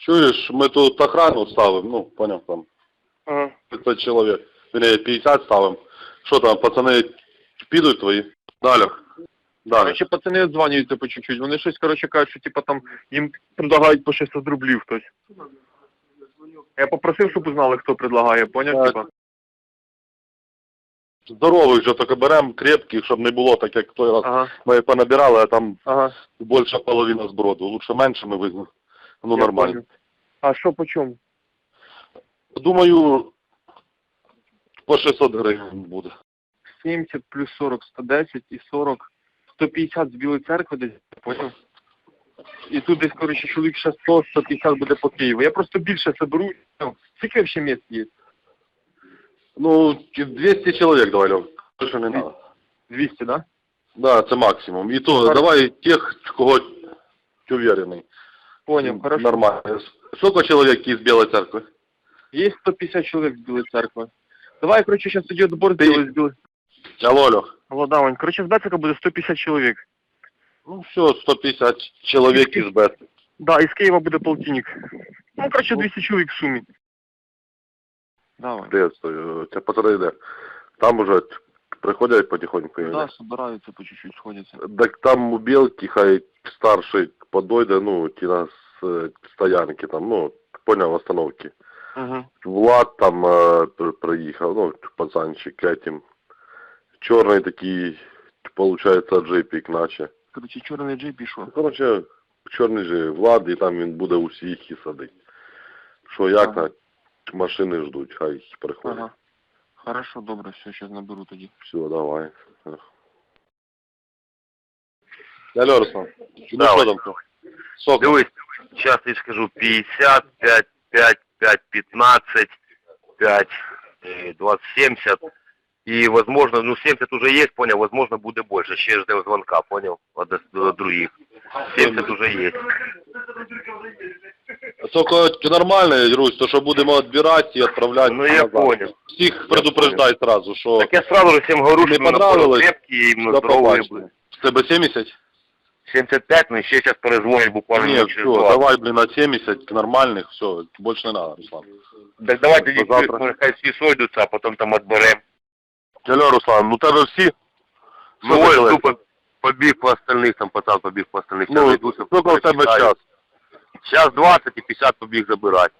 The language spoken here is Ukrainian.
Чуєш, ми тут охрану ставимо, ну, поняв, там, Ага. 500 чоловік, вернее, 50 ставимо. Що там, пацани підуть твої? Далі. Далі. Короче, пацани дзвонюються по чуть-чуть. Вони щось, короче, кажуть, що типа там їм предлагають по 600 рублів хтось. Я попросив, щоб узнали, хто предлагає, поняв, Так. типа? Здорових же тільки беремо, крепких, щоб не було так, як той раз. Ага. Ми понабирали, а там Ага. більша половина зброду. Лучше менше ми візьмемо. Ну, Я нормально. понял. А що по чому? Думаю, по 600 гривень буде. 70 плюс 40, 110 і 40, 150 з Білої церкви десь, поняв? І тут десь, коротше, чоловік ще 100, 150 буде по Києву. Я просто більше соберу. Ну, скільки ще місць є? Ну, 200 чоловік давай, Льов. Більше не треба. 200, да? Да, це максимум. І то, Хорошо. давай тих, кого ти уверений. Поняв, хорошо. Нормально. Сколько чоловік із Білої церкви? Є 150 чоловік з Білої церкви. Давай, коротше, зараз тоді відбор зробили з Білої. Алло, Льох. Алло, Давань, коротше, з Бецика буде 150 чоловік. Ну все, 150 чоловік із Бет. Да, із Києва буде полтинник. Ну, коротше, 200 чоловік в сумі. Давай. Де стой? Це пацани де? Там уже приходять потихоньку. Да, собираються по чуть-чуть, сходяться. Так там у Білки хай старший подойде, ну, ті на стоянки там, ну, поняв, остановки. Угу. Влад там приїхав, ну, пацанчик этим. Чорний такий, получается, джипік наче. Коротше, чорний джей пішов. Короче, чорний же Влад, і там він буде усіх і садить. Що як Ага. на машини ждуть, хай приходять. Ага. Хорошо, добре, все, зараз наберу тоді. Все, давай. Алло, Руслан. Ну Да, що ось. там? Сколько? Дивись, сейчас я скажу 50, 5, 5, 5, 15, 5, 20, 70. И, возможно, ну 70 уже есть, понял, возможно, будет больше. Ще ждем звонка, понял, от других. 70 уже есть. Тільки нормально, Русь, то що будемо відбирати і відправляти. Ну, я назад. понял. Всіх предупреждай сразу, що Так я сразу же всем говорю, не что именно понравилось, крепкие, именно до здоровые побачення. были. В тебе 70? 75, но еще сейчас перезвонит буквально Ні, через все, 20. давай, блін, на 70 нормальних, все, більше не треба, Руслан. Так давайте До завтра. хай всі сойдуться, а потом там отберем. Алло, Руслан, ну тебе всі? Ну, Слухай, ось тупо побіг по остальных, там пацан побіг по остальных. Ну, сколько у тебе час? Сейчас 20 и 50 побіг забирати.